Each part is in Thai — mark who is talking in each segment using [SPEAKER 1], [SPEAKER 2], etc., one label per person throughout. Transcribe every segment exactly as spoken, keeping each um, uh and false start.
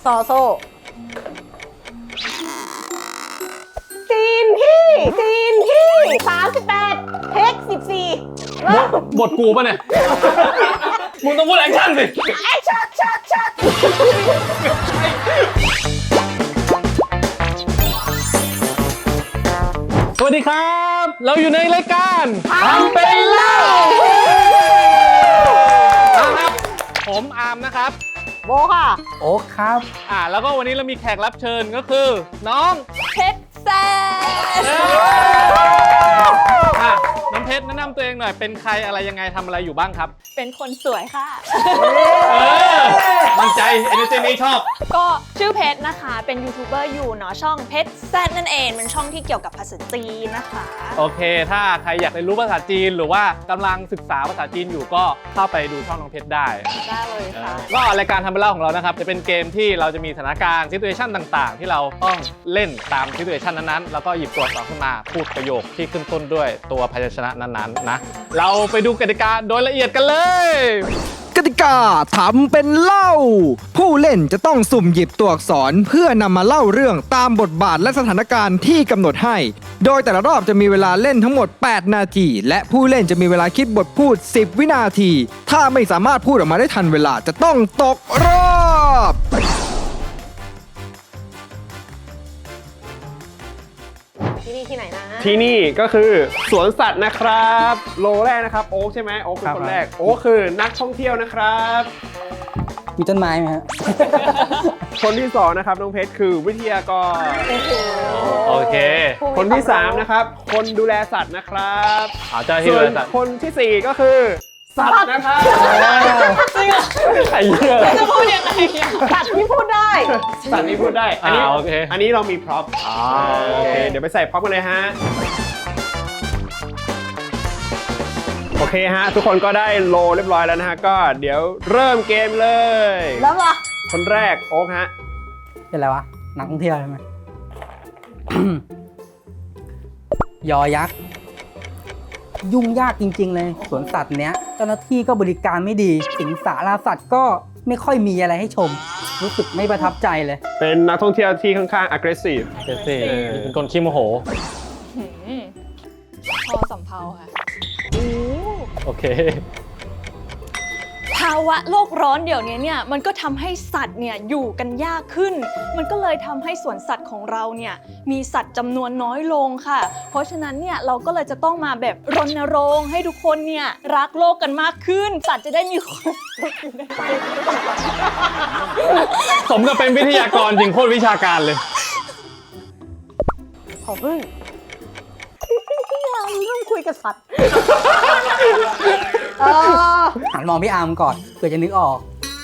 [SPEAKER 1] ซอโซ่ซีนที่ซีนที่สามสิบแปดเทคสิบสี่
[SPEAKER 2] บทบทกูป่ะเนี่ย มึงต้องพูดแอคชั่นสิ
[SPEAKER 1] แอคชั่นชัดชัด
[SPEAKER 2] สวัสดีครับ เราอยู่ในรายการทำเป็นเล่าครับผมอาร์มนะครับ
[SPEAKER 1] โบค่ะ
[SPEAKER 3] โอ๊คครับ
[SPEAKER 2] อ่าแล้วก็วันนี้เรามีแขกรับเชิญก็คือน้อง
[SPEAKER 1] เพชรแซน
[SPEAKER 2] น้องเพชรแนะนำตัวเองหน่อยเป็นใครอะไรยังไงทำอะไรอยู่บ้างครับ
[SPEAKER 1] เป็นคนสวยค่ะ
[SPEAKER 2] เออมั่นใจเอเนอร์จีนี้ชอบ
[SPEAKER 1] ก็ชื่อเพชรนะคะเป็นยูทูบเบอร์อยู่เนาะช่องเพชรแซนนั่นเองเป็นช่องที่เกี่ยวกับภาษาจีนนะคะ
[SPEAKER 2] โอเคถ้าใครอยากเรียนรู้ภาษาจีนหรือว่ากำลังศึกษาภาษาจีนอยู่ก็เข้าไปดูช่องน้องเพชรได้
[SPEAKER 1] ได้เลยค่ะ
[SPEAKER 2] ก็รายการทำเป็นเล่าของเรานะครับจะเป็นเกมที่เราจะมีสถานการณ์ซิทูเอชันต่างๆที่เราต้องเล่นตามซิทูเอชันนั้นๆแล้วก็หยิบตัวอักษรขึ้นมาพูดประโยคที่ขึ้นต้นด้วยตัวพยัญชนะนั้นๆนะเราไปดูกติกาโดยละเอียดกันเลย
[SPEAKER 3] กติกาทำเป็นเล่าผู้เล่นจะต้องสุ่มหยิบตัวอักษรเพื่อนำมาเล่าเรื่องตามบทบาทและสถานการณ์ที่กำหนดให้โดยแต่ละรอบจะมีเวลาเล่นทั้งหมดแปดนาทีและผู้เล่นจะมีเวลาคิดบทพูดสิบวินาทีถ้าไม่สามารถพูดออกมาได้ทันเวลาจะต้องตกรอบ
[SPEAKER 1] ที่นี่ที่ไหนนะ
[SPEAKER 4] ที่นี่ก็คือสวนสัตว์นะครับโลแรกนะครับโอ๊คใช่ไหมโอ๊คเป็นคนแรกโอ๊คคือนักท่องเที่ยวนะครับ
[SPEAKER 3] มีต้นไม้ไหมฮะ
[SPEAKER 4] คนที่สองนะครับน้องเพชรคือวิทยากร
[SPEAKER 2] โอเค
[SPEAKER 4] คนที่สามนะครับคนดูแลสัตว์นะครับ
[SPEAKER 2] ส่วน
[SPEAKER 4] คนที่สี่ก็คือสัตว์นะครับ
[SPEAKER 1] จริงเหรอ
[SPEAKER 2] ไอ้เหี้ย
[SPEAKER 1] จะพูดยังไงสัตว์ที่พูดได้
[SPEAKER 4] สัตว์ที่พูดได้
[SPEAKER 2] อันนี้โอเค
[SPEAKER 4] อันนี้เรามีพร็อพโอเคเดี๋ยวไปใส่พร็อพกันเลยฮะโอเคฮะทุกคนก็ได้โลเรียบร้อยแล้วนะฮะก็เดี๋ยวเริ่มเกมเลย
[SPEAKER 1] แล้วเหรอ
[SPEAKER 4] คนแรกโอ๊คฮะ
[SPEAKER 3] เป็นอะไรวะนักท่องเที่ยวใช่ไหม ยอยักษ์ยุ่งยากจริงๆเลยสวนสัตว์เนี้ยเจ้าหน้าที่ก็บริการไม่ดีสิงสาราสัตว์ก็ไม่ค่อยมีอะไรให้ชมรู้สึกไม่ประทับใจเลย
[SPEAKER 4] เป็นนักท่องเที่ยวที่ค่อนข้าง aggressive
[SPEAKER 2] เป็นคนขี้โมโห
[SPEAKER 1] พอสำเพาค่ะ
[SPEAKER 2] โอเค
[SPEAKER 1] ภาวะโลกร้อนเดี๋ยวนี้เนี่ยมันก็ทำให้สัตว์เนี่ยอยู่กันยากขึ้นมันก็เลยทำให้สวนสัตว์ของเราเนี่ยมีสัตว์จำนวนน้อยลงค่ะเพราะฉะนั้นเนี่ยเราก็เลยจะต้องมาแบบรณรงค์ให้ทุกคนเนี่ยรักโลกกันมากขึ้นสัตว์จะได้มีความสุขอยู่ในใจ
[SPEAKER 2] สมกับเป็นวิทยากรจริงโคตรวิชาการเลย
[SPEAKER 1] ขอพึ่งเริ่มคุยกับสัตว์
[SPEAKER 3] หันมองพี่อาร์มก่อนเพื่อจะนึกออก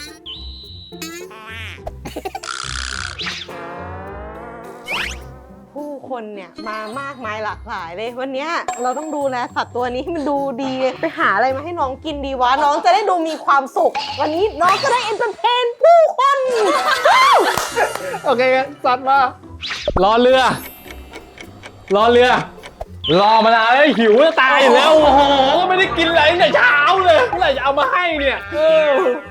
[SPEAKER 1] ผู้คนเนี่ยมามากมายหลากหลายเลยวันนี้เราต้องดูแลสัตว์ตัวนี้ให้มันดูดีไปหาอะไรมาให้น้องกินดีวะน้องจะได้ดูมีความสุขวันนี้น้องจะได้เอนเตอร์เทนผู้คน
[SPEAKER 2] โอเคสัตว์มาล้อเรือล้อเรือรอมานานแล้วหิวจะตายอยู่แล้วโอ้โหไม่ได้กินอะไรตั้งแต่เช้าเลยเมื่อไหร่จะเอามาให้เนี่ยเออ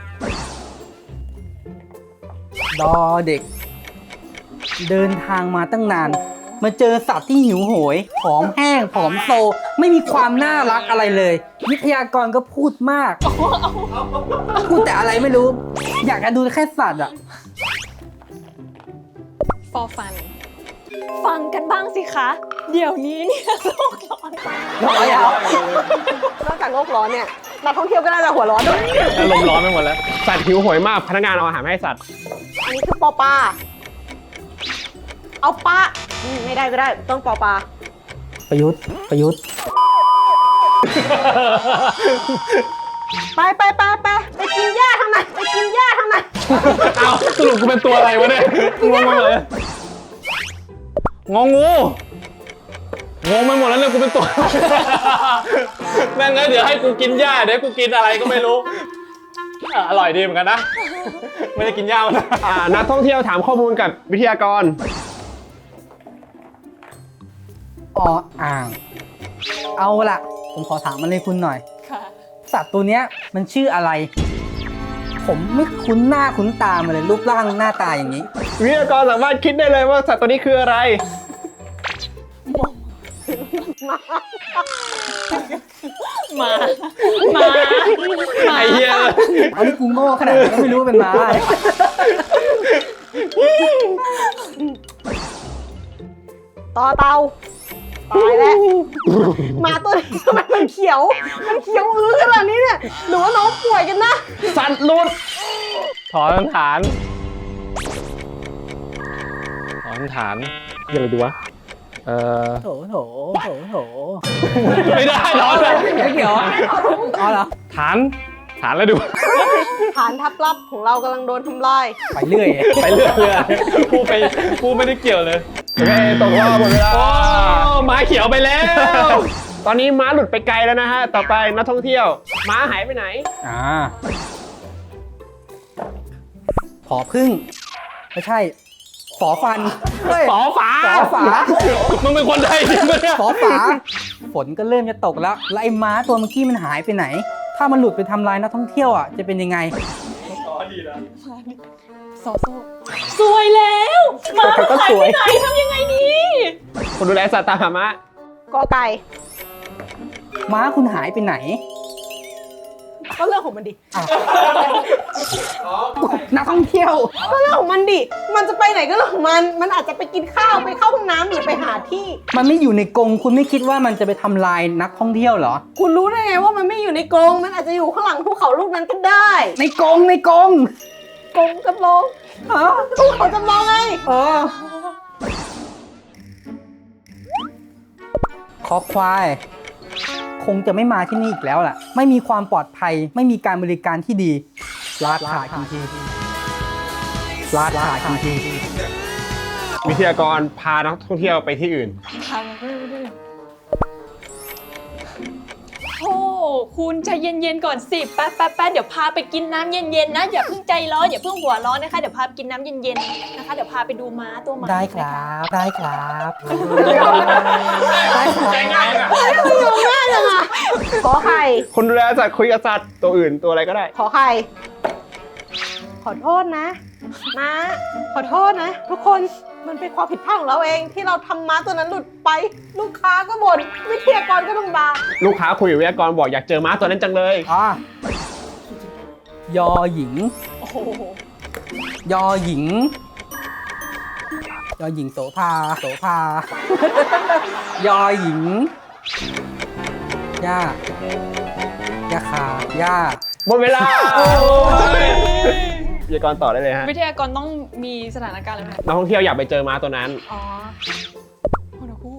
[SPEAKER 3] ดอเด็กเดินทางมาตั้งนานมาเจอสัตว์ที่หิวโหยผอมแห้งผอมโซไม่มีความน่ารักอะไรเลยวิทยากรก็พูดมากพูดแต่อะไรไม่รู้อยากจะดูแค่สัตว์อะ
[SPEAKER 1] ฟอร์ฟันฟังกันบ้างสิคะเดี๋ยวนี้เนี่ยโลกร้อนร้อนแล้วนอกจากโลกร้อนเนี่ยนักท่องเที่ยวก็น่าจะหัวร้อนด้วย
[SPEAKER 2] อารมณ์ร้อนไปหมดแล้ว
[SPEAKER 4] สัตว์หิวโหยมากพนักงานเอาอาหารให้สัตว์
[SPEAKER 1] อันนี้คือปอปลาเอาปลาไม่ได้ก็ได้ต้องปอปลา
[SPEAKER 3] ประยุทธ์ประยุทธ์
[SPEAKER 1] ไปไปไปไปไปกินหญ้าทำไมไปกินหญ้าทำไม
[SPEAKER 2] เอาสรุปกูเป็นตัวอะไรวะเนี่ยงงไปหมดเลยงงงูงงไปหมดแล้วเนี่ยกูเป็นตัวแม่งเลยเดี๋ยวให้กูกินหญ้าเดี๋ยวกูกินอะไรก็ไม่รู้อร่อยดีเหมือนกันนะไม่ได้กินหญ้านะ
[SPEAKER 4] นักท่องเที่ยวถามข้อมูลกับวิทยากร
[SPEAKER 3] ออ่างเอาล่ะผมขอถามมันเลยคุณหน่อยสัตว์ตัวเนี้ยมันชื่ออะไร
[SPEAKER 5] ผมไม่คุ้นหน้าคุ้นตามาเลยรูปร่างหน้าตาอย่างนี้
[SPEAKER 4] วิทยากรสามารถคิดได้เลยว่าสัตว์ตัวนี้คืออะไร
[SPEAKER 1] หมาหมาหมา
[SPEAKER 2] ไอ้เหี้ย
[SPEAKER 5] เอานี่กูโง่ขนาดนี้ก็ไม่รู้ว่าเป็นม้า
[SPEAKER 6] ต่อเตาตายแล้วหมาตัวนี้ทำไมมันเขียว มันเขียวอื้อขนาดนี้เนี่ยหรือว่าน้องป่วยกันนะ
[SPEAKER 4] สัตว์หลุด
[SPEAKER 2] ถอนฐาน ถอนฐานยังไงดีวะ เออ
[SPEAKER 5] โถโถโถโถ
[SPEAKER 2] ไม่ได้ถอนเลย
[SPEAKER 5] ไม่เกี่ยวอ๋อเหรอ
[SPEAKER 2] ฐาน ฐานแล้วดู
[SPEAKER 6] ฐานทัพลับของเรากำลังโดนทำลาย
[SPEAKER 5] ไปเรื่อย
[SPEAKER 2] ไปเรื่อยเลยกูไปกูไม่ได้เกี่ยวเลย
[SPEAKER 4] โอเคตกรอบหมดเวลา
[SPEAKER 2] โอ้ม้าเขียวไปแล้ว
[SPEAKER 4] ตอนนี้ม้าหลุดไปไกลแล้วนะฮะ ต่อไปนักท่องเที่ยว ม้าหายไปไหน
[SPEAKER 5] อ่าผอพึ่ง ไม่ใช่ ฝอฟันเฮ้ย
[SPEAKER 2] ฝอฝา
[SPEAKER 5] ฝอฝา
[SPEAKER 2] มึงเป็นคนไทยจริงปะเนี่ย
[SPEAKER 5] ฝอฝา ฝนก็เริ่มจะตกแล้ว แล้วไอ้ม้าตัวเมื่อกี้มันหายไปไหน ถ้ามันหลุดไปทำลายนักท่องเที่ยวอ่ะ จะเป็นยังไง
[SPEAKER 1] ซอโซ่สวยแล้วหมามันหายไปไหนทำยังไงดี
[SPEAKER 4] คนดูแลสัตว์ตามหาม้า
[SPEAKER 6] กอไก่
[SPEAKER 5] ม้าคุณหายไปไหน
[SPEAKER 6] ก็เรื่องของมันดิ
[SPEAKER 5] นักท่องเที่ยว
[SPEAKER 6] ก็เรื่องของมันดิ มันจะไปไหนก็เรื่องของมัน มันอาจจะไปกินข้าวไปเข้าห้องน้ำหรือไปหาที่
[SPEAKER 5] มันไม่อยู่ในกรงคุณไม่คิดว่ามันจะไปทำลายนักท่องเที่ยวเหรอ
[SPEAKER 6] คุณรู้ได้ไงว่ามันไม่อยู่ในกรง มันอาจจะอยู่ข้างหลังภูเขาลูกนั้นก็ได้
[SPEAKER 5] ในกรงในกรง
[SPEAKER 6] กรงจำลอง
[SPEAKER 5] อ๋อ
[SPEAKER 6] ภูเขาจำลองไง
[SPEAKER 5] เออคอควาย คงจะไม่มาที่นี่อีกแล้วล่ะ ไม่มีความปลอดภัย ไม่มีการบริการที่ดีลาดขาดจริงๆลาดขาดจริง
[SPEAKER 4] วิทยากรพานักท่องเที่ยวไปที่อื่น
[SPEAKER 1] ทางมันก็ไม่ได้โอ้คุณใจเย็นๆก่อนสิแป๊บแป๊บแป๊บเดี๋ยวพาไปกินน้ำเย็นๆนะอย่าเพิ่งใจร้อนอย่าเพิ่งหัวร้อนนะคะเดี๋ยวพาไปกินน้ำเย็นๆนะคะเดี๋ยวพาไปดูม้าตัวใหม่
[SPEAKER 5] ๆได้ครับ ได้ครับ ได้ครับ
[SPEAKER 6] ง่ายจังอะขอไข่
[SPEAKER 4] คนดูแลสัตว์คุยกับสัตว์ตัวอื่นตัวอะไรก็ได้
[SPEAKER 6] ขอไข่ ขอโทษนะม้าขอโทษนะ ทุกคน มันเป็นความผิดพลาดของเราเองที่เราทำม้าตัวนั้นหลุดไป ลูกค้าก็บ่นวิทยากรก็ต้องด่า
[SPEAKER 4] ลูกค้าคุยกับวิทยากรบอกอยากเจอม้าตัวนั้นจังเลย
[SPEAKER 5] อ่ะยอหญิง
[SPEAKER 1] โอ้โห
[SPEAKER 5] ยอหญิง ยอหญิงโสภา โสภา ยอหญิง ย่า ย่าคา ย่า
[SPEAKER 4] หมดเวลาวิทยากรต่อได้เลยฮะ
[SPEAKER 1] วิทยากรต้องมีสถานการณ์อะไรไหม
[SPEAKER 4] นักท่องเที่ยวอยากไปเจอม้าตัวนั้น
[SPEAKER 1] อ๋อโอ้โหคู่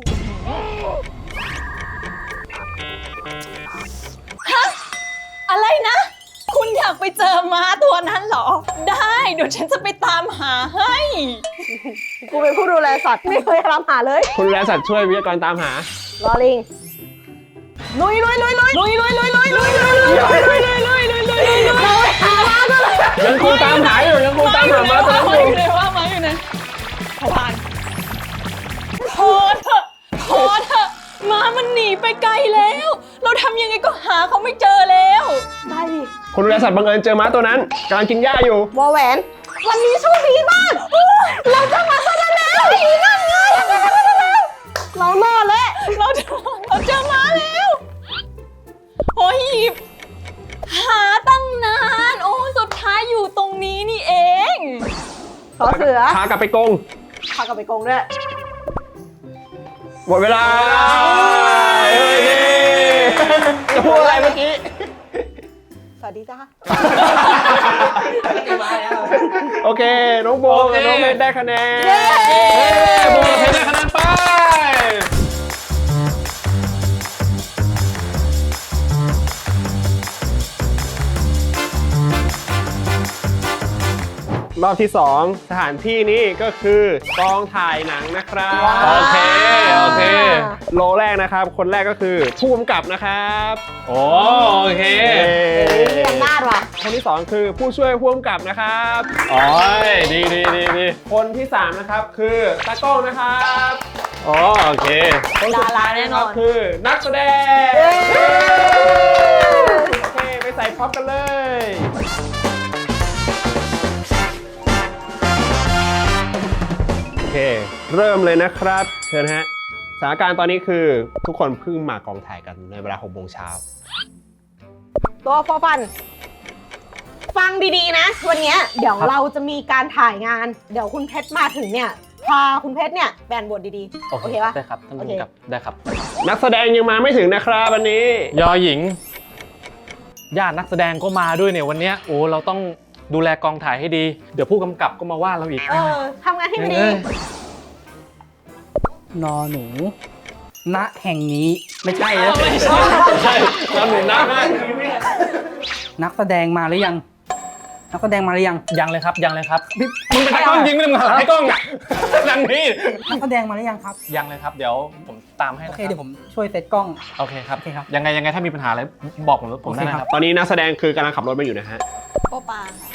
[SPEAKER 1] ฮะอะไรนะ คุณอยากไปเจอม้าตัวนั้นเหรอ ได้เดี๋ยวฉันจะไปตามหาให้
[SPEAKER 6] กูเป็นผู้ดูแลสัตว์ไม่เคยทำหาเลย
[SPEAKER 4] คนดูแลสัตว์ช่วยวิทยากรตามหา
[SPEAKER 6] ลอลิงลุยลุยลุยลุยลุยลุยลุยลุยลุยลุยลุยลุยลุยลุยลุยลุยเราไปหาม้าก็เลย
[SPEAKER 4] ยังคงตามหาอยู่ยังคงตามหาม้าตัวนั้นอ
[SPEAKER 1] ม้าอยู่ ยู่ไหนว่าม้าอยู่ไหนพอผ่านพอเถอะพอเถอะม้ามันหนีไปไกลแล้ว เราทำยังไงก็หาเขาไม่เจอแล้ว
[SPEAKER 6] ได้ดิ
[SPEAKER 4] คนดูแลสัตว์บังเอิญเจอม้าตัวนั้นกำลังกินหญ้าอยู่
[SPEAKER 6] วอแหวน วันนี้โชคดีมากเราจะมาซะแล้วนั่นไงเรารอดแล้ว
[SPEAKER 1] เราเจอเราเจอม้าแล้วโอ้ยหาตั้งนาน โอ้สุดท้ายอยู่ตรงนี้นี่เอง
[SPEAKER 6] ขอเสือ
[SPEAKER 4] พากลับไปกรง
[SPEAKER 6] พากลับไปกรงด้วย
[SPEAKER 4] หมดเวลาเฮ้ยจะพูดอะไรเมื่อกี้
[SPEAKER 6] สวัสดีจ้า
[SPEAKER 4] โอเค น้องโบกับน้องเพชรได้คะแนน
[SPEAKER 2] เย้โบเพชรได้คะแนนไป
[SPEAKER 4] รอบที่สองสถานที่นี้ก็คือกองถ่ายหนังนะครับ
[SPEAKER 2] โอเค โอเค
[SPEAKER 4] โลแรกนะครับ คนแรกก็คือผู้กำกับนะครับ
[SPEAKER 2] โอ้โอเค
[SPEAKER 6] มีอำนาจว่ะ
[SPEAKER 4] คนที่สองคือผู้ช่วยผู้กำกับนะครับ
[SPEAKER 2] โอ้ยดีดีดีดี
[SPEAKER 4] คนที่สามนะครับคือตากล้องนะครับ
[SPEAKER 2] อ๋อโอเค
[SPEAKER 4] คนสุดท้ายนะครับคือนักแสดงโอเคไปใส่พร็อพกันเลยเริ่มเลยนะครับ เชิญฮะสถานการณ์ตอนนี้คือทุกคนเพิ่งมากองถ่ายกันในเวลาหกโมงเช้า
[SPEAKER 6] ตัวฟอฟัน ฟังดีๆนะ วันเนี้ยเดี๋ยวเราจะมีการถ่ายงาน เดี๋ยวคุณเพชรมาถึงเนี่ย พาคุณเพชรเนี่ยแบนบทดีๆ โอเคปะ
[SPEAKER 2] ได้ครับท่านผู้กำกับได้ครับ
[SPEAKER 4] นักแสดงยังมาไม่ถึงนะครับวันนี้
[SPEAKER 2] ยอหญิงญาตินักแสดงก็มาด้วยเนี่ยวันเนี้ยโอ้เราต้องดูแลกองถ่ายให้ดี เดี๋ยวผู้กำกับก็มาว่าเราอีก
[SPEAKER 6] เออทำงานให้มันดี
[SPEAKER 2] เอ้ย
[SPEAKER 5] นอหนู ณ แห่งนี้ไม่ใช่นะ
[SPEAKER 2] ไม่ใช่ใช่เราหนุนนะ
[SPEAKER 5] นักแสดงมาหรือยัง นักแสดงมาหรือยัง
[SPEAKER 2] ยังเลยครับยังเลยครับมึงเป็นตากล้องยิงไม่ได้มึงหันให้กล้องอ่ะดังนี้
[SPEAKER 5] นักแสดงมาหรือยังครับ
[SPEAKER 2] ยังเลยครับเดี๋ยวผมตามให้
[SPEAKER 5] โอ
[SPEAKER 2] นะ
[SPEAKER 5] เค
[SPEAKER 2] ครับ
[SPEAKER 5] เดี๋ยวผมช่วยเซตกล้อง
[SPEAKER 2] โอเคครับ
[SPEAKER 5] โอเคครับ
[SPEAKER 2] ยังไงยังไงถ้ามีปัญหาอะไรบอกผมผมได้นะครับ
[SPEAKER 4] ตอนนี้นักแสดงคือกำลังขับรถมาอยู่นะฮะ
[SPEAKER 1] โปปาค่ะ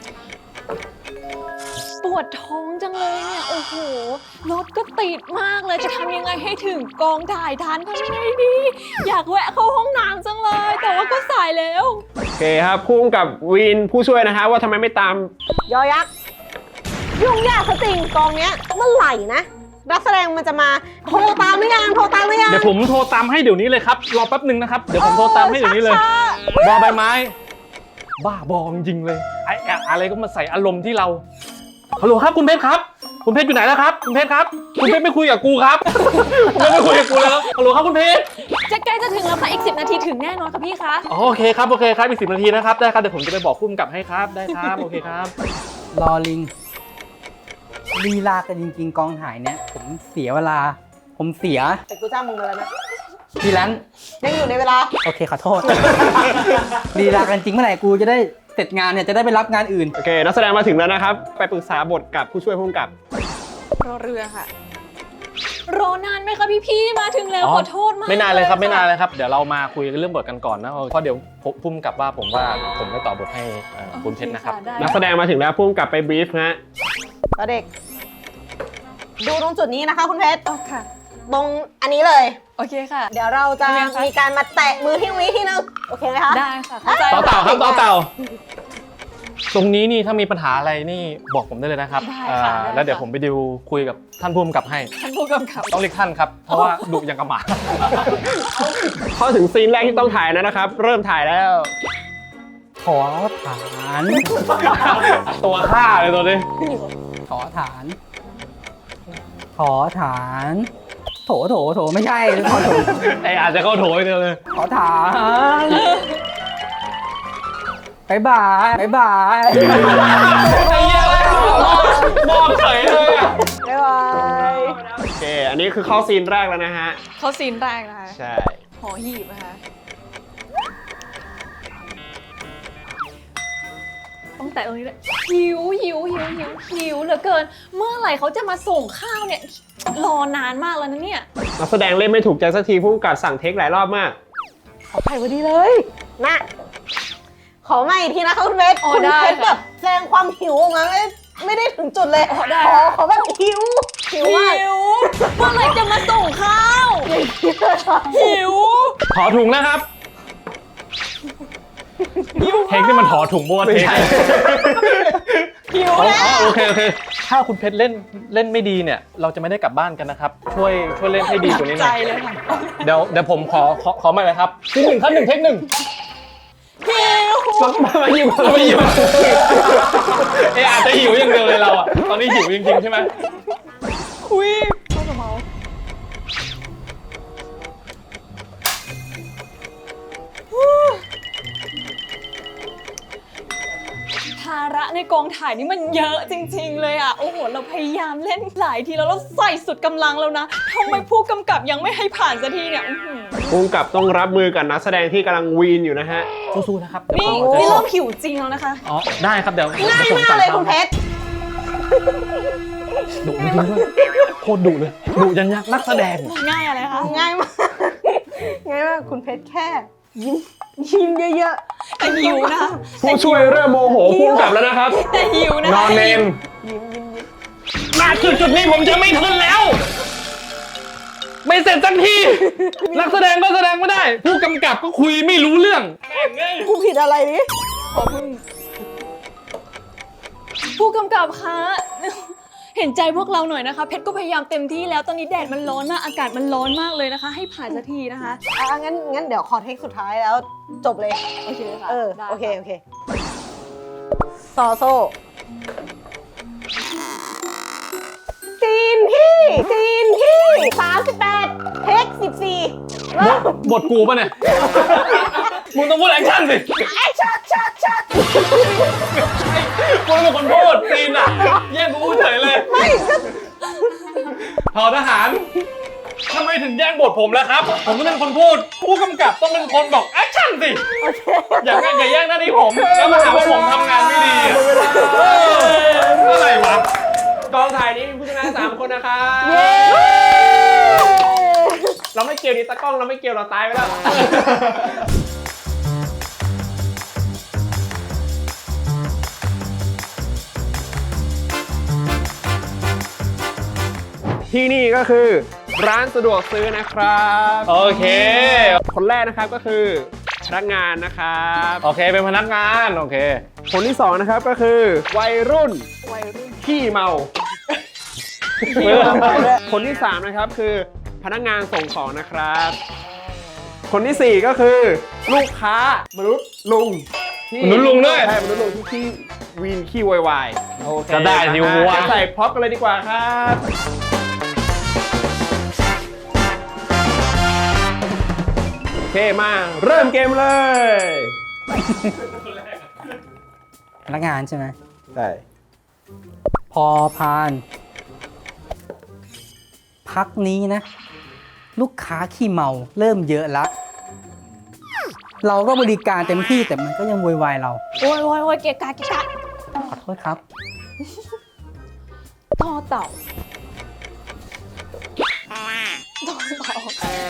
[SPEAKER 1] ปวดท้องจังเลยเนี่ย โอ้โห รถก็ติดมากเลย จะทำยังไงให้ถึงกองถ่ายทันทำยังไงดี อยากแวะเข้าห้องน้ำจังเลย แต่ว่าก็สายแล้ว
[SPEAKER 4] โอเคครับพุ่งกับวินผู้ช่วยนะฮะว่าทำไมไม่ตาม
[SPEAKER 6] ยอยักษ์ยุ่งยากซะจริงกองเนี้ยเมื่อไหร่นะ นักแสดงมันจะมาโทรตามหรือยังโทรตามหรือยัง
[SPEAKER 2] เดี๋ยวผมโทรตามให้เดี๋ยวนี้เลยครับรอแป๊บหนึ่งนะครับเดี๋ยวผมโทรตามให้เดี๋ยวนี้เลย
[SPEAKER 6] ช้า
[SPEAKER 2] บอใบไม้ บ้าบอจริงๆเลยไอ้อะอะไรก็มาใส่อารมณ์ที่เราฮัลโหลครับคุณเพชรครับคุณเพชรอยู่ไหนแล้วครับคุณเพชรครับคุณเพชรไม่คุยกับกูครับคุณเพชรไม่คุยกับกูแล้วฮัลโหลครับคุณเพชร
[SPEAKER 1] จะใกล้จะถึงแล้วค่ะ อีกสิบนาทีถึงแน่นอนค่ะพี่คะ
[SPEAKER 2] อ๋อโอเคครับโอเคครับอีกสิบนาทีนะครับได้ครับเดี๋ยวผมจะไปบอกผู้กำกับให้ครับได้ครับโอเคครับ
[SPEAKER 5] รอลิงลีลากันจริงๆ กองถ่ายเนี่ย ผมเสียเวลา ผมเสีย
[SPEAKER 6] แต่กูจ้างมึงมาแล้วนะ
[SPEAKER 5] พี่แลน
[SPEAKER 6] ยังอยู่ในเวลา
[SPEAKER 5] โอเคขอโทษ ลีลากันจริงเมื่อไหร่กูจะได้เสร็จงานเนี่ยจะได้ไปรับงานอื่น
[SPEAKER 4] โอเค นักแสดงมาถึงแล้วนะครับ ไปปรึกษาบทกับผู้ช่วยผู้กำกับ
[SPEAKER 1] รอเรือค่ะ รอนานไหมคะพี่พี่ๆมาถึงแล้วขอโทษมาก
[SPEAKER 2] ไม่นานเลยครับ
[SPEAKER 1] ะ
[SPEAKER 2] ไม่นานเลยครับเดี๋ยวเรามาคุยเรื่องบทกันก่อนนะเพราะเดี๋ยวพุ่มกับว่าผมว่าผมไม่ต่อบทให้เอ่อคุณเพชรนะครับ
[SPEAKER 1] ได้
[SPEAKER 4] นักแสดงมาถึงแล้วพุ่งกับไปบรีฟฮะ
[SPEAKER 6] ตอนเด็ก ดูตรงจุดนี้นะคะคุณเพชร
[SPEAKER 1] เอาค่ะ
[SPEAKER 6] ตรงอันนี้เลย
[SPEAKER 1] โอเคค่ะ
[SPEAKER 6] เดี๋ยวเราจะ
[SPEAKER 1] ยังไงคะ
[SPEAKER 6] มีการมาแตะมือที่วิที่นึงโอเคไหมคะ
[SPEAKER 1] ได้ค่ะเข้าใจ
[SPEAKER 2] ต่อ
[SPEAKER 1] ค่ะ
[SPEAKER 2] เต่าครับต่อเต่าตรงนี้นี่ถ้ามีปัญหาอะไรนี่บอกผมได้เลยนะครับ
[SPEAKER 1] ได้
[SPEAKER 2] อ่า
[SPEAKER 1] ค่ะได้
[SPEAKER 2] แล้วเดี๋ยว
[SPEAKER 1] ค่ะ
[SPEAKER 2] ผมไปดิวคุยกับท่านผู้กำกับให้
[SPEAKER 1] ท่านผู้กำกับ
[SPEAKER 2] ต้องเรียกท่านครับ เพราะว่าดุอย่างกระหมา
[SPEAKER 4] เข้าถึงซีนแรกที่ต้องถ่ายแล้วนะครับ เริ่มถ่ายแล้ว
[SPEAKER 5] ขอฐาน
[SPEAKER 2] ตัวฆ่าเลยตัวนี้
[SPEAKER 5] ขอฐาน ขอฐาน โถโถโถไม่ใช่ขอโถ
[SPEAKER 2] ไออาจจะเข้าโถยเดียวเลย
[SPEAKER 5] ขอฐานบายบายบายบาย
[SPEAKER 2] ไอ้เหี้ยมอบเฉยเลยอะ
[SPEAKER 6] บ๊ายบาย
[SPEAKER 4] โอเค อันนี้คือเข้าซีนแรกแล้วนะฮะ
[SPEAKER 1] เขาซีนแรกนะคะ
[SPEAKER 4] ใช่
[SPEAKER 1] หอหีบนะคะตั้งแต่ตรงนี้เลยหิวหิวหิวหิวหิวเหลือเกิน เมื่อไหร่เขาจะมาส่งข้าวเนี่ย รอนานมากแล้วนะเนี่ย
[SPEAKER 4] นักแสดงเล่นไม่ถูกใจสักทีพุ่งกับสั่งเทคหลายรอบมาก
[SPEAKER 6] ขอไข่พอดีเลยนะขอมาอีกทีนะคะคุณเพชร
[SPEAKER 1] อ๋อ
[SPEAKER 6] คุณ
[SPEAKER 1] ได้
[SPEAKER 6] เพชร
[SPEAKER 1] ค่ะ
[SPEAKER 6] แบบแสดงความหิวออกมาไม่ไม่ได้ถึงจุดเลย
[SPEAKER 1] อ๋อได้
[SPEAKER 6] ขอขอแบบหิวหิวมาก
[SPEAKER 1] หิวเมื่อไหร่จะมาส่งข้าวหิว
[SPEAKER 2] ถอถุงนะครับเทคนี่มันถอถุงบัวเทค
[SPEAKER 1] หิว
[SPEAKER 2] อ๋อ
[SPEAKER 1] แล้ว
[SPEAKER 2] อ๋อโอเคโอเค ถ้าคุณเพชรเล่นเล่นไม่ดีเนี่ย เราจะไม่ได้กลับบ้านกันนะครับ ช่วยช่วยเล่นให้ดีกว่านี้ห
[SPEAKER 1] ใจ
[SPEAKER 2] น่อย
[SPEAKER 1] เลยค่ะ
[SPEAKER 2] เดี๋ยวเดี๋ยวผมขอขอขอใหม่เลยครับทีหนึ่งขั้นหนึ่งเทคหนึ่ง
[SPEAKER 1] หิว
[SPEAKER 4] มามาอยู่
[SPEAKER 2] เราไม่หิวเอออาจจะหิวอย่างเดียวเลยเราอ่ะ ตอนนี้หิวจริงๆใช่ไหม
[SPEAKER 1] อุ้ยเขาจะเมาภาระในกองถ่ายนี่มันเยอะจริงๆเลยอ่ะ โอ้โห เราพยายามเล่นหลายทีแล้วเราใส่สุดกำลังแล้วนะทำไมผู้กำกับยังไม่ให้ผ่านสักทีเนี่ยอื้อหือ
[SPEAKER 4] พุ่งกับต้องรับมือกับนักแสดงที่กำลังวีนอยู่นะฮะ
[SPEAKER 2] สู้ๆนะครับเดี๋ยว
[SPEAKER 1] นี่
[SPEAKER 2] ผมจะ
[SPEAKER 1] นี่เริ่มหิวจริงแล้วนะคะ
[SPEAKER 2] อ๋อได้ครับเดี๋ยว
[SPEAKER 6] ง่าย
[SPEAKER 2] ดี๋วผม
[SPEAKER 6] มาก
[SPEAKER 2] สั่ง
[SPEAKER 6] เลย
[SPEAKER 2] ข้ว
[SPEAKER 6] คุณเพชร
[SPEAKER 2] ดุจริงๆด้วยโคตรดุเลยดุยันยักษ์นักแสดง
[SPEAKER 1] ง่ายอะไรคะ
[SPEAKER 6] ง่ายมากง่ายมากคุณเพชรแค่ยิ้มยิ้มเยอะ
[SPEAKER 1] แต่หิวนะ
[SPEAKER 4] ผู้ช่วยเริ่มโมโหพุ่งกับแล้วนะครับ
[SPEAKER 1] แต่หิวนะ
[SPEAKER 4] นอนเนน
[SPEAKER 2] มาจุดจุดๆนี้ผมจะไม่ทนแล้ว ไม่เสร็จสักที นักแสดงก็แสดงไม่ได้ ผู้กำกับก็คุยไม่รู้เรื่อง
[SPEAKER 6] ๆกูผิดอะไรนี่
[SPEAKER 1] ผู้กำกับคะเห็นใจพวกเราหน่อยนะคะเพชรก็พยายามเต็มที่แล้วตอนนี้แดดมันร้อนมากอากาศมันร้อนมากเลยนะคะ ให้ผ่านสักทีนะคะ
[SPEAKER 6] อ่ะงั้นงั้นเดี๋ยวขอเทคสุดท้ายแล้วจบเลย
[SPEAKER 1] โอเคค่ะ
[SPEAKER 6] เออ
[SPEAKER 1] ได้
[SPEAKER 6] โอเค
[SPEAKER 1] ค่ะ
[SPEAKER 6] โอเคต่อโซ่ซีนที่ซีนที่สามสิบแปดเทคสิบสี่
[SPEAKER 2] บทบทกูปะเนี่ย มึงต้องพูดแอคชั่นสิ
[SPEAKER 6] แอคชั่นชัดชัด
[SPEAKER 2] กูเป็นคนพูดซีนอ่ะแย่งกูพูดเฉยเลย
[SPEAKER 6] ไม่ก็
[SPEAKER 2] ทอทหารทำไมถึงแย่งบทผมแล้วครับ ผมต้องเป็นคนพูด ผู้กำกับต้องเป็นคนบอกแอคชั่นสิ อย่าแย่งอย่าแย่งหน้าที่ผม แล้วมาหาว่าผมทำงานไม่ดีอะเอออะไรวะ
[SPEAKER 4] กองถ่ายนี้มีผู้ชนะสามคนนะครับ
[SPEAKER 6] เย้
[SPEAKER 4] เราไม่เกี่ยวดิตากล้องเราไม่เกี่ยวเราตายไปแล้ว ที่นี่ก็คือร้านสะดวกซื้อนะครับ
[SPEAKER 2] โอเค
[SPEAKER 4] คนแรกนะครับก็คือพนักงานนะครับ
[SPEAKER 2] โอเค เป็นพนักงาน โอเค
[SPEAKER 4] คนที่สองนะครับก็คือวัยรุ่น
[SPEAKER 6] วัยรุ่น
[SPEAKER 4] ขี้เมา คนที่สามนะครับคือพนักงานส่งของนะครับ คนที่สี่ก็คือลูกค้ามนุษย์ลุงที่
[SPEAKER 2] มนุษย์ลุงด้วย
[SPEAKER 4] ใช่มนุษย์ลุงที่ขี้วีนขี้วายวายโอเค
[SPEAKER 2] จะได้สิ
[SPEAKER 4] นะฮะ
[SPEAKER 2] วะ
[SPEAKER 4] เดี๋ยวใส่พร็อพกันเลยดีกว่าครับโอเคมาเริ่มเกมเลย
[SPEAKER 5] พนักงานใช่ไหม
[SPEAKER 4] ใช่
[SPEAKER 5] พอพาน พักนี้นะ ลูกค้าขี้เมาเริ่มเยอะละ เราก็บริการเต็มที่แต่มันก็ยังโวยวายเรา
[SPEAKER 1] โอ้ยโอ้ยโอ้ยเกะกะเกะกะ
[SPEAKER 5] ขอโทษครับ
[SPEAKER 1] ต่อเต่าต่อเต่า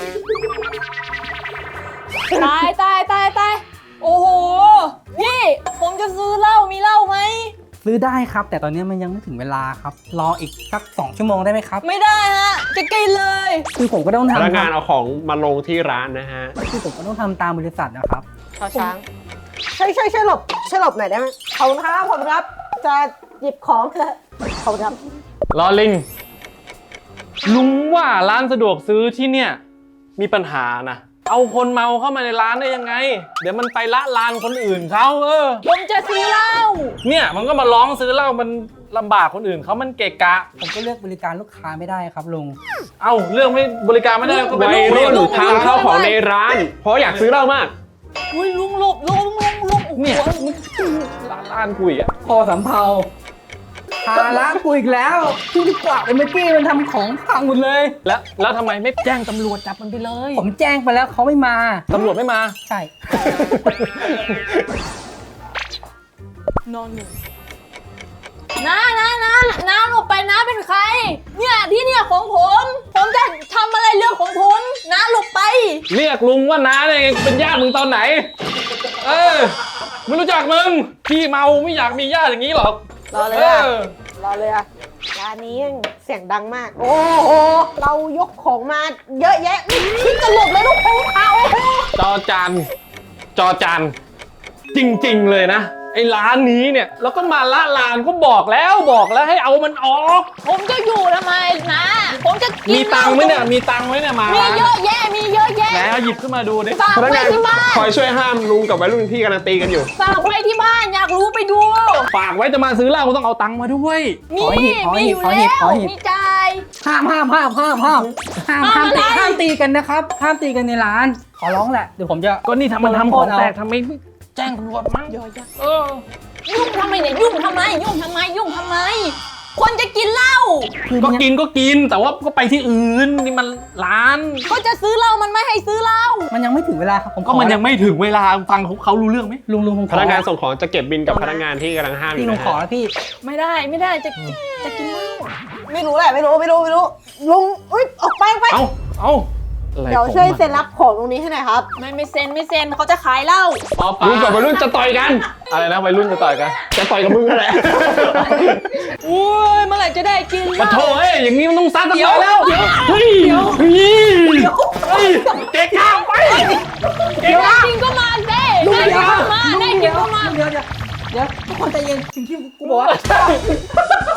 [SPEAKER 1] ตายตายตายตายโอ้โหพี่ผมจะซื้อเหล้ามีเหล้าไหม
[SPEAKER 5] ซื้อได้ครับ แต่ตอนนี้มันยังไม่ถึงเวลาครับ รออีกสักสองชั่วโมงได้ไหมครับ
[SPEAKER 1] ไม่ได้ฮะจะกินเลย
[SPEAKER 5] คือผมก็ต้อง
[SPEAKER 4] พนัก
[SPEAKER 5] ทำ
[SPEAKER 4] งานเอาของมาลงที่ร้านนะฮะ
[SPEAKER 5] คือผมก็ต้องทำตามบริษัทนะครับ
[SPEAKER 6] ชอช้างช่วยช่วยช่วยหลบช่วยหลบหน่อยได้ไหมขอบคุณครับขอบคุณครับ จะหยิบของเถอะขอบคุณครับ
[SPEAKER 2] ลอลิง ลุงว่าร้านสะดวกซื้อที่เนี่ย มีปัญหานะ เอาคนเมาเข้ามาในร้านได้ยังไง เดี๋ยวมันไปละลานคนอื่นเขาเออ
[SPEAKER 1] ผมจะซื้อเหล้า
[SPEAKER 2] เนี่ยมันก็มาร้องซื้อเหล้ามันลำบากคนอื่นเขามันเกะกะ
[SPEAKER 5] ผมก็เลือกบริการลูกค้าไม่ได้ครับลุง
[SPEAKER 2] เอ้าเรื่องไม่บริการไม่ได้ก็เป็น
[SPEAKER 4] วัย
[SPEAKER 2] เรื่
[SPEAKER 4] รุ่
[SPEAKER 2] อง
[SPEAKER 4] นทางเข้าของในร้าน เพราะอยากซื้อเหล้ามาก
[SPEAKER 1] อุ้ยลุงหลบลุงลุงลุงโอ้โห
[SPEAKER 2] เนี่ยร้านร้านคุยอ่ะ
[SPEAKER 5] พอสำเภาภาระกูอีกแล้วที่กวาดไปเมื่อกี้มันทำของพังหมดเลย
[SPEAKER 2] แล้วแล้วทำไมไม่แจ้งตำรวจจับมันไปเลย
[SPEAKER 5] ผมแจ้งไปแล้วเขาไม่มา
[SPEAKER 2] ตำรวจไม่มา
[SPEAKER 5] ใช่
[SPEAKER 1] นอนหนึ่งน้าน้าน้าน้าหลบไปน้าเป็นใคร เนี่ยที่เนี่ยของผม ผมจะทำอะไรเรื่องของผมน้าหลบไป
[SPEAKER 2] เรียกลุงว่าน้าได้ไงเป็นญาติมึงตอนไหน เออไม่รู้จักมึงพี่เมาไม่อยากมีญาติอย่างนี้หรอก
[SPEAKER 6] รอเลย
[SPEAKER 2] เอ
[SPEAKER 6] อะ
[SPEAKER 2] อ
[SPEAKER 6] รอเลยอะร้านนี้ยังเสียงดังมาก โอ้โห เรายกของมาเยอะแยะไม่คิดจะหลบเลยลูกค้าโอ้โห
[SPEAKER 2] จอจานจอจานจริงๆเลยนะไอ้ร้านนี้เนี่ยแล้วก็มาละลานก็บอกแล้วบอกแล้วให้เอามันออก
[SPEAKER 1] ผมจะอยู่ทำไมนะผมจะกิน
[SPEAKER 2] มีตังค์ไหมเนี่ยมีตังค์ไหมเนี่ยมา
[SPEAKER 1] มีเยอะแยะมีเยอะแยะ
[SPEAKER 2] แล้วหยิบขึ้นมาดูดิ
[SPEAKER 1] ฝาก
[SPEAKER 4] พนัก
[SPEAKER 1] ไว้
[SPEAKER 4] งาน
[SPEAKER 1] ที่บ้าน
[SPEAKER 4] คอยช่วยห้ามลุงกับวัยรุ่นที่กำลังตีกันอยู่
[SPEAKER 1] ฝากไว้ที่บ้านอยากรู้ไปดู
[SPEAKER 2] ฝากไว้จะมาซื้อเหล้าก็ต้องเอาตังค์มาด้วย
[SPEAKER 1] มี
[SPEAKER 5] ขอหีบขอ
[SPEAKER 1] มี
[SPEAKER 5] หี
[SPEAKER 1] อบ ยู่
[SPEAKER 5] ขอหี
[SPEAKER 1] แล้
[SPEAKER 5] บขอ
[SPEAKER 1] ว
[SPEAKER 5] หีบ
[SPEAKER 1] มีจ่าย
[SPEAKER 5] ห้ามห้ามห้ามห้ามห้ามห้ามห้ามตี
[SPEAKER 1] อะไร
[SPEAKER 5] ห้ามตีกันนะครับ ห้ามตีกันในร้าน ขอร้องแหละ เดี๋ยวผมจะ
[SPEAKER 2] ก็นี่ทำมันทำของแตก
[SPEAKER 5] เอา
[SPEAKER 2] ทำไมไม่แจ้งตำรวจมั้ง
[SPEAKER 1] เยอะแยะ
[SPEAKER 2] เออ
[SPEAKER 1] ยุ่งทำไมเนี่ยยุ่งทำไม ยุ่งทำไม ยุ่งทำไม คนจะกินเหล้า
[SPEAKER 5] คือ
[SPEAKER 2] ก็
[SPEAKER 5] มันยัง
[SPEAKER 2] กินก็กินแต่ว่าก็ไปที่อื่นนี่มันร้าน
[SPEAKER 1] ก็จะซื้อเหล้ามันไม่ให้ซื้อเหล้า
[SPEAKER 5] มันยังไม่ถึงเวลาครับผม
[SPEAKER 2] ก็มันยังไม่ถึงเวลาฟังเขาเขารู้เรื่องไหม
[SPEAKER 5] ลุงลุงผมข
[SPEAKER 4] พ
[SPEAKER 5] อ
[SPEAKER 4] นักงานส่งของจะเก็บบินกับพนักงานที่กำลังห้ามอ
[SPEAKER 5] พี่
[SPEAKER 4] ยู่
[SPEAKER 5] ลุง
[SPEAKER 4] นะ
[SPEAKER 5] ขอ
[SPEAKER 4] ฮะ
[SPEAKER 5] แล้วพี่
[SPEAKER 1] ไม่ได้ไม่ได้จะจะกินเหล้า
[SPEAKER 6] ไม่รู้แหละ ไม่รู้ ไม่รู้ ไม่รู้ ลุง อุ้ย ออกไปออกไป
[SPEAKER 2] เอ้าเอ้าอะไร
[SPEAKER 6] เดี๋ยว
[SPEAKER 2] ของ
[SPEAKER 6] ช่วย
[SPEAKER 2] มัน
[SPEAKER 6] เซ็นรับของตรงนี้ให้หน่อยครับ
[SPEAKER 1] ไม่ไม่เซ็นไม่เซ็นเขาจะขายเหล้า
[SPEAKER 2] ปอปลา
[SPEAKER 4] ลุงกับวัยรุ่นจะต่อยกัน
[SPEAKER 2] อะไรนะวัยรุ่นจะต่อยกัน
[SPEAKER 4] จะต่อยกับมึงนั่นแหละ
[SPEAKER 1] อุ้ยเมื่อไหร่จะได้กินเห
[SPEAKER 2] มา
[SPEAKER 1] ล้า
[SPEAKER 2] โถเอ้ยอย่างนี้มันต้องซัดกันต่อยแล้วเฮ้ยเฮ้ยเฮ้ยเจ๊ข้าวไป
[SPEAKER 1] เดี๋ยวจริงก็มาเด้
[SPEAKER 5] ลุง
[SPEAKER 1] ได้
[SPEAKER 5] เดี๋
[SPEAKER 1] จ
[SPEAKER 5] ยว
[SPEAKER 1] ริงก็มาได้จริงก็มา
[SPEAKER 5] เดี๋ยวเดี๋ยวเดี๋ยวทุกคนใจเย็นสิ่งที่กูบอกว่า
[SPEAKER 2] เ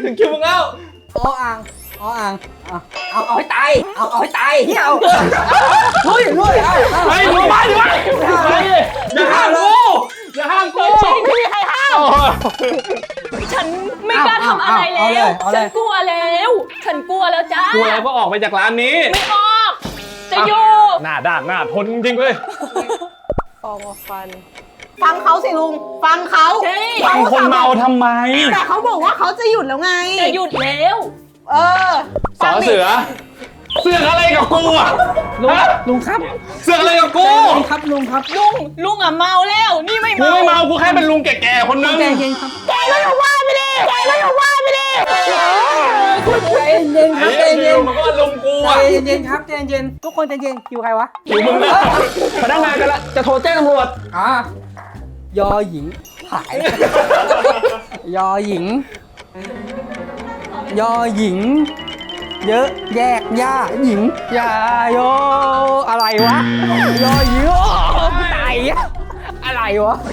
[SPEAKER 2] ถึงคิวมึงแล้ว
[SPEAKER 5] ออ่างออ่างเอาเอาเอาให้ตายเอาเอาให้ตายเฮียเอาลุยลุยเอาเอา
[SPEAKER 2] ไปดูมาดิวะไปดิอย่าห้ามกูอย่าห้ามกู
[SPEAKER 1] ไม่มีใครห้าม ฉันไม่กล้าทำอะไรแล้ว ฉันกลัวแล้ว ฉันกลัวแล้วจ้า
[SPEAKER 2] กูแล้วก็ออกไปจากร้านนี้
[SPEAKER 1] ไม่ออก จะอยู่
[SPEAKER 2] หน้าด้านหน้าทนจริงๆเลย
[SPEAKER 6] ฟองฟัน ฟังเขาสิลุง ฟังเขา
[SPEAKER 1] ใช่
[SPEAKER 2] ฟังคนเมาทำไม
[SPEAKER 6] แต่เขาบอกว่าเขาจะหยุดแล้วไง
[SPEAKER 1] จะหยุดแล้ว
[SPEAKER 6] เออ
[SPEAKER 2] สอเสือ เสือกอะไรกับกูอ่ะ
[SPEAKER 5] ลุง
[SPEAKER 2] ฮะ
[SPEAKER 5] ลุงครับ
[SPEAKER 2] เสือกอะไรกับกู
[SPEAKER 5] ลุงครับลุงครับ
[SPEAKER 1] ลุง ลุงอ่ะเมาแล้ว นี่ไม่
[SPEAKER 2] กู
[SPEAKER 1] เมา
[SPEAKER 2] ไม่เมา กูแค่เป็นลุงแก่ๆคนนึง
[SPEAKER 5] ใจเย็นครับ
[SPEAKER 6] แกแล้วอย่าว่าไปดิแกแล้วอย่าว่าไปดิ
[SPEAKER 5] ใจเย็นครับใจ
[SPEAKER 2] ไอ้
[SPEAKER 5] เย็
[SPEAKER 2] เหี้ย
[SPEAKER 5] น
[SPEAKER 2] มันก็ลุงกู
[SPEAKER 5] ใจ
[SPEAKER 2] อ่ะ
[SPEAKER 5] เย็นครับใจเย็นทุกคนใจเย็นคิวใครวะ
[SPEAKER 2] อยู่มึงนะ
[SPEAKER 4] พนักงานกันละจะโทรแจ้งตำรวจ
[SPEAKER 5] อ่ะยอหญิงหายยอหญิง ยอหญิง เยอะแยกย่าหญิงยาโยอะไรวะยอหญิงโอ้ตายอะอะไรวะ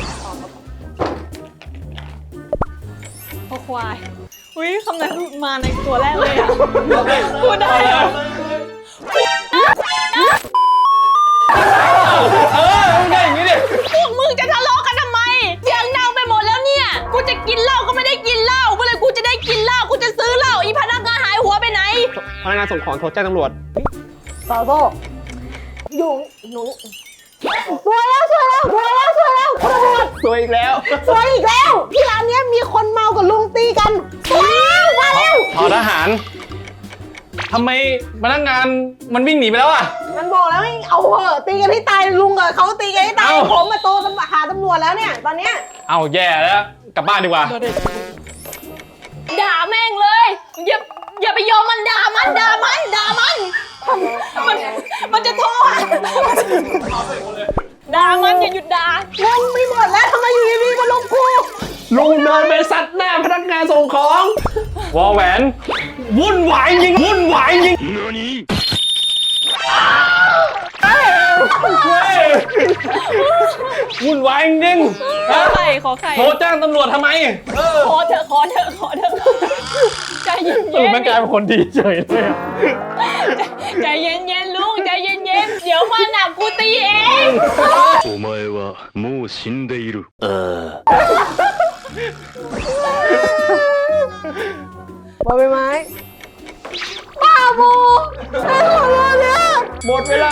[SPEAKER 1] พอควาย อุ้ยคำนั้นมาในตัวแรกเลยอ่ะ พูดได้เหรอ
[SPEAKER 2] เออมึงได้อย่างนี้ดิ
[SPEAKER 1] พวกมึงจะทะเลาะกันทำไม เสียงดังไปหมดแล้วเนี่ย กูจะกินเหล้าก็ไม่ได้กินเหล้าเมื่อไหรกูจะได้กินเหล้า กูจะซื้อเหล้า อีพนักงานหายหัวไปไหน
[SPEAKER 4] พนักงานส่งของโทรแจ้งตำรวจ
[SPEAKER 6] ต่อโต้อยู่หนูสวยแล้วสวยแล้วสวยแล้วสวยแล้วคุณตำรวจ
[SPEAKER 4] สวยอีกแล้ว
[SPEAKER 6] สวยอีกแล้ว ที่ร้านเนี้ยมีคนเมากับลุงตีกันสวยแล้วมาแล้ว
[SPEAKER 2] ทอทหารทำไมพนักงานมันวิ่งหนีไปแล้วอ่ะ
[SPEAKER 6] มันบอกแล้วให้เอาเหอะตีกันให้ตายลุงอะเขาตีกันให้ตาย
[SPEAKER 2] เอ้า
[SPEAKER 6] ผมมาโตหาตำรวจแล้วเนี่ยตอนเนี้ย
[SPEAKER 2] เอาแย่แล้ว กลับบ้านดีกว่า
[SPEAKER 1] ด่าแม่งเลย อย่า อย่าไปยอมมันด่ามันด่ามันด่ามัน มัน มันจะโทษด่ามันอย่าหยุดด่าง
[SPEAKER 6] งไม่หมดแล้วทำไมอยู่ดีๆมาลงกู
[SPEAKER 4] ลุงเดินไปซัดหน้าพนักงานส่งของ
[SPEAKER 2] วอแหวน วุ่นวายจริง วุ่นวายจริงเฮ้ยวุ่นวายจริง
[SPEAKER 1] ขอไข่ขอไข่
[SPEAKER 2] โทรแจ้งตำรวจทำไม
[SPEAKER 1] ขอเถอะขอเถอะขอเถอะใจเย็น
[SPEAKER 2] สรุปแม่งกลายเป็นคนดีเฉยเลยอะ
[SPEAKER 1] ๆใจเย็นเย็นๆลุงใจเย็นเย็นๆเดี๋ยวมาหนักกูตีเอง
[SPEAKER 7] お前はもう死んでいる。
[SPEAKER 6] บอใบไม้บ้าโมไอ้คนเราเนี่ย
[SPEAKER 4] หมดเวลา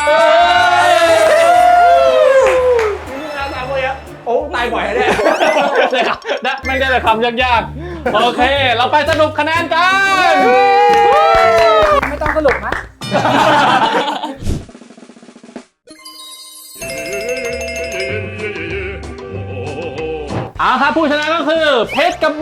[SPEAKER 4] นี่งานสามคนอ่ะโอ้ตายบ่อยแน่
[SPEAKER 2] ได้ครับได้แม่งได้แต่คำยากๆ โอเค เราไปสรุปคะแนนกัน
[SPEAKER 5] ไม่ต้องสรุปนะ
[SPEAKER 2] เอาครับผู้ชนะก็คือเพชรกับโบ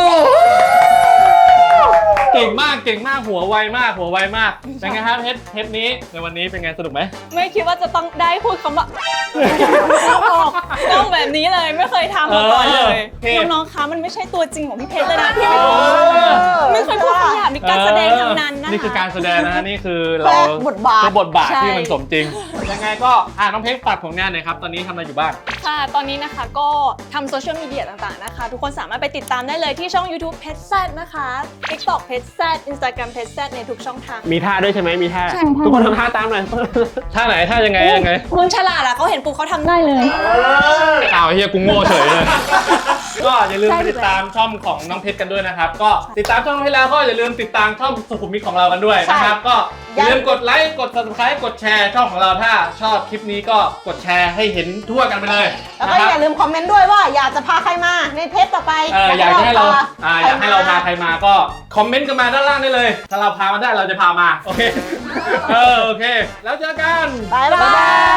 [SPEAKER 2] เก่งมากเก่งมากหัวไวมากหัวไวมากเป็นไงครับเทปเทปนี้ในวันนี้เป็นไงสนุกไหม
[SPEAKER 1] ไม่คิดว่าจะต้องได้พูดคำว่าออกกล้องแบบนี้เลยไม่เคยทำมาก่อนเลยน้องๆคะมันไม่ใช่ตัวจริงของพี่เพชรเลยนะพี่ไม่เคยพูดคำหยาบในการแสดงทั้งนั้นนะคะ
[SPEAKER 2] นี่คือการแสดงนะฮะนี่คือเรา
[SPEAKER 6] บทบาท
[SPEAKER 2] คือบทบาท
[SPEAKER 1] ใช่
[SPEAKER 2] ที่มันสมจริงยังไงก็อ่าน้องเพชรฝากผลงานหน่อยครับตอนนี้ทำอะไรอยู่บ้าง
[SPEAKER 1] ค่ะตอนนี้นะคะก็ทำโซเชียลมีเดียต่างๆนะคะทุกคนสามารถไปติดตามได้เลยที่ช่อง YouTube เพชรแซดนะคะ TikTok เพชรแซด Instagram เพชรแซดในทุกช่องทาง
[SPEAKER 4] มีท่าด้วยใช่ไหมมีท่า
[SPEAKER 1] ใช่ค่ะ
[SPEAKER 4] ทุกคนทำท่าตามหน่อย
[SPEAKER 2] ท่าไหนท่ายังไงยังไง
[SPEAKER 1] มึงฉลาดอะเขาเห็นปุ๊บเขาทำได้เลย
[SPEAKER 2] อ้าวเฮียกูโง่เฉยเลย ก็อย่าลืม
[SPEAKER 1] ใช่
[SPEAKER 2] ไปติดตามช่องของน้องเพชรกันด้วยนะครับ ก็ติดตามช่องให้แล้วก็อย่าลืมติดตามช่องสุขุมวิทของเรากันด้วยนะครับ ก็อย่าลืมกดไลค์กด Subscribe กดแชร์ช่องของเราถ้าชอบคลิปนี้ก็กดแชร์ให้เห็นทั่วกันไปเลย
[SPEAKER 6] แล้ว
[SPEAKER 2] นะ
[SPEAKER 6] ก็
[SPEAKER 2] ครับ
[SPEAKER 6] อย่าลืมคอมเมนต์ด้วยว่าอยากจะพาใครมาในเทปต่อไป
[SPEAKER 2] เอออยากจะให้เราอ่าอยากให้เราพาใค
[SPEAKER 6] ร
[SPEAKER 2] รมาก็คอมเมนต์กันมาด้านล่างได้เลย ถ้าเราพามาได้เราจะพามาโอเคเออโอเค แล้วเจอกัน
[SPEAKER 6] บายบาย